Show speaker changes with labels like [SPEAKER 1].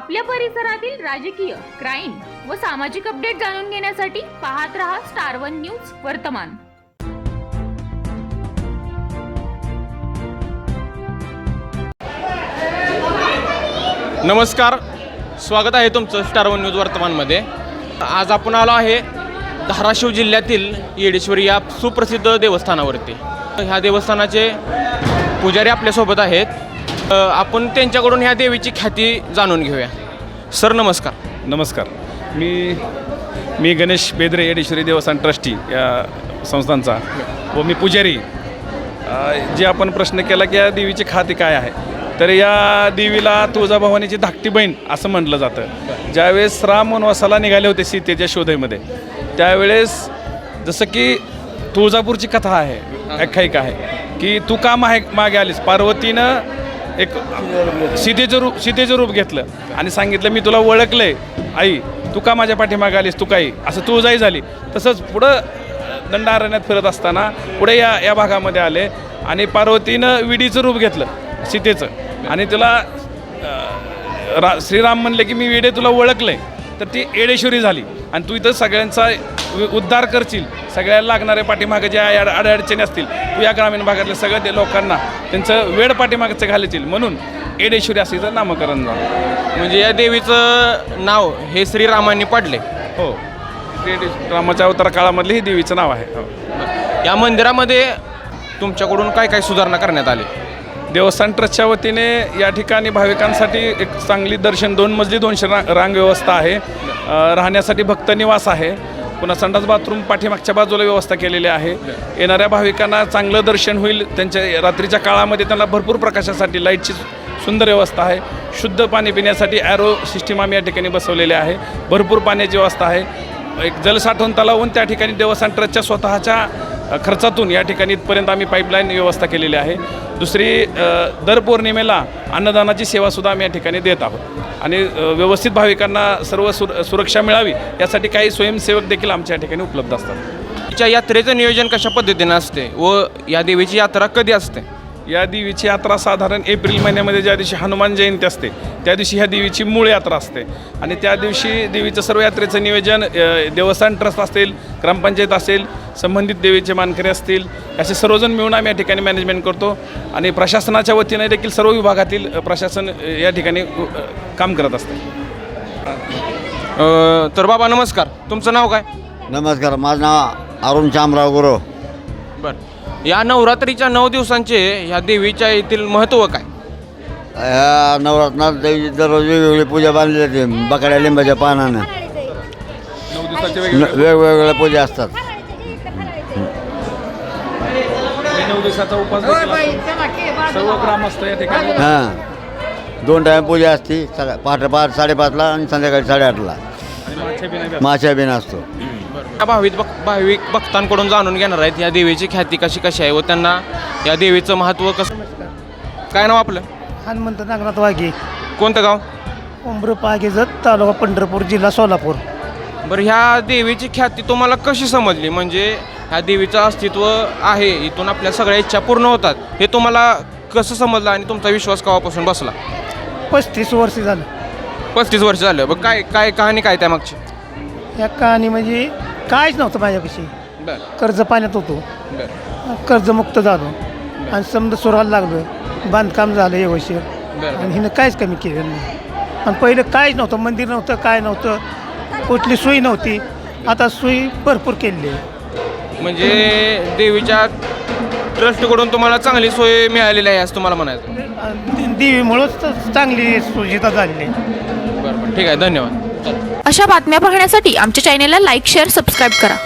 [SPEAKER 1] आपल्या परिसरातील राजकीय, क्राईम व सामाजिक अपडेट जाणून घेण्यासाठी पाहत रहा स्टार वन न्यूज वर्तमान।
[SPEAKER 2] नमस्कार, स्वागत आहे तुमचं स्टार वन न्यूज वर्तमानमध्ये। आज आपण आलो आहे धाराशिव जिल्ह्यातील येडेश्वरी या सुप्रसिद्ध देवस्थानावरती। ह्या देवस्थानाचे पुजारी आपल्यासोबत आहेत, आपण त्यांच्याकडून ह्या देवीची ख्याती जाणून घेऊया। सर नमस्कार।
[SPEAKER 3] नमस्कार, मी गणेश बेदरे, येडेश्वरी देवस्थान ट्रस्टी या संस्थांचा व मी पुजारी। जे आपण प्रश्न केला की या देवीची ख्याती काय आहे, तर या देवीला तुळजाभवानीची धाकटी बहीण असं म्हटलं जातं। ज्यावेळेस राम वनवासाला निघाले होते सीतेच्या शोधेमध्ये, त्यावेळेस जसं की तुळजापूरची कथा आहे, आख्यायिका आहे की तू का मागे आलीस। पार्वतीनं एक सीतेचं रूप घेतलं आणि सांगितलं मी तुला ओळखलंय आई, तू का माझ्या पाठीमागे आलीस, तू काही असं तुळजाई झाली। तसंच पुढं दंडारण्यात फिरत असताना पुढे या भागामध्ये आले आणि पार्वतीनं विडीचं रूप घेतलं सीतेचं आणि तुला श्रीराम म्हणले की मी वेडे तुला ओळखलंय, तर ती येडेश्वरी झाली आणि तू इथं सगळ्यांचा उद्धार करशील। सगळ्याला लागणारे पाठीमागे ज्या अडचणी असतील तू या ग्रामीण भागातल्या सगळ्या लोकांना त्यांचं वेळ पाठीमागचं घालशील, म्हणून येडेश्वरी असं इथं नामकरण झालं।
[SPEAKER 2] म्हणजे या देवीचं नाव हे श्रीरामांनी पाडले।
[SPEAKER 3] हो, रामाच्या अवतार काळामधले हे देवीचं नाव आहे। हो,
[SPEAKER 2] या मंदिरामध्ये तुमच्याकडून काय काय सुधारणा करण्यात आली?
[SPEAKER 3] देवस्थान ट्रस्टच्या वतीने या ठिकाणी भाविकांसाठी एक चांगली दर्शन 2 मजली 200 रांग व्यवस्था आहे। राहण्यासाठी भक्त निवास आहे, पुन्हा संडास बाथरूम पाठीमागच्या बाजूला व्यवस्था केलेली आहे। येणाऱ्या भाविकांना चांगलं दर्शन होईल। त्यांच्या रात्रीच्या काळामध्ये त्यांना भरपूर प्रकाशासाठी लाईटची सुंदर व्यवस्था आहे। शुद्ध पाणी पिण्यासाठी ॲरो सिस्टीम आम्ही या ठिकाणी बसवलेले आहे। भरपूर पाण्याची व्यवस्था आहे। एक जलसाठवण तलावून त्या ठिकाणी देवस्थान ट्रस्टच्या स्वतःच्या खर्चातून या ठिकाणी इथपर्यंत आम्ही पाईपलाईन व्यवस्था केलेली आहे। दुसरी, दर पौर्णिमेला अन्नदानाची सेवासुद्धा आम्ही या ठिकाणी देत आहोत आणि व्यवस्थित भाविकांना सर्व सुरक्षा मिळावी यासाठी काही स्वयंसेवक देखील आमच्या या ठिकाणी उपलब्ध असतात।
[SPEAKER 2] तिच्या यात्रेचं नियोजन कशा पद्धतीने असते व या देवीची यात्रा कधी असते?
[SPEAKER 3] या देवीची यात्रा साधारण एप्रिल महिन्यामध्ये ज्या दिवशी हनुमान जयंती असते त्या दिवशी ह्या देवीची मूळ यात्रा असते आणि त्या दिवशी देवीचं सर्व यात्रेचं नियोजन देवस्थान ट्रस्ट असेल, ग्रामपंचायत असेल, संबंधित देवीचे मानकरी असतील, असे सर्वजण मिळून आम्ही या ठिकाणी मॅनेजमेंट करतो आणि प्रशासनाच्या वतीने देखील सर्व विभागातील प्रशासन या ठिकाणी काम करत असते।
[SPEAKER 2] तर बाबा नमस्कार, तुमचं नाव काय?
[SPEAKER 4] नमस्कार, माझं नाव अरुण शामराव गुरव।
[SPEAKER 2] बरं, या नवरात्रीच्या 9 दिवसांचे ह्या देवीच्या येथील महत्त्व काय?
[SPEAKER 4] ह्या नवरात्रात देवीची दररोज वेगवेगळी पूजा बांधली जाते। बकड्या लिंबाच्या पानानं
[SPEAKER 3] 9 दिवसाचे
[SPEAKER 4] वेगवेगळ्या पूजा असतात।
[SPEAKER 3] 9 दिवसाचा उपवास देखील असतो। सर्व ग्रामस्थ या ठिकाणी
[SPEAKER 4] हां, 2 टाईम पूजा असते, पहाटे 5:30ला आणि संध्याकाळी 8:30ला माशा बिन असतो।
[SPEAKER 2] या भाविक भक्तांकडून जाणून घेणार आहेत या देवीची ख्याती कशी आहे व त्यांना या देवीचं महत्त्व कसं। काय नाव आपलं?
[SPEAKER 5] हनुमंत नागनाथ वाघे,
[SPEAKER 2] कोणतं गाव?
[SPEAKER 5] उमरपागेजत, तालुका पंढरपूर, जिल्हा सोलापूर।
[SPEAKER 2] बरं, ह्या देवीची ख्याती तुम्हाला कशी समजली? म्हणजे ह्या देवीचं अस्तित्व आहे, इथून आपल्या सगळ्या इच्छा पूर्ण होतात, हे तुम्हाला कसं समजलं आणि तुमचा विश्वास केव्हापासून बसला?
[SPEAKER 5] 35 वर्ष झालं।
[SPEAKER 2] 35 वर्ष झालं। बघ, काय कहाणी काय त्या मागची?
[SPEAKER 5] या कहाणी म्हणजे काहीच नव्हतं माझ्यापाशी।
[SPEAKER 2] बरं
[SPEAKER 5] कर्ज पाण्यात होतो,
[SPEAKER 2] बरं
[SPEAKER 5] कर्जमुक्त झालो आणि समजा सुराला लागलो, बांधकाम झालं व्यवस्थित
[SPEAKER 2] बरं
[SPEAKER 5] आणि हिनं काहीच कमी केलं नाही। आणि पहिलं काहीच नव्हतं, मंदिर नव्हतं, काय नव्हतं, कुठली सोयी नव्हती। आता सोयी भरपूर केली आहे।
[SPEAKER 2] म्हणजे देवीच्या ट्रस्टकडून तुम्हाला चांगली सोय मिळालेली आहे असं तुम्हाला म्हणायचं?
[SPEAKER 5] देवीमुळंच चांगली सुविधा झालेली आहे।
[SPEAKER 2] बरं, ठीक आहे, धन्यवाद।
[SPEAKER 1] अशा बातम्या पाहण्यासाठी आमच्या चॅनेलला लाईक, शेअर, सबस्क्राईब करा।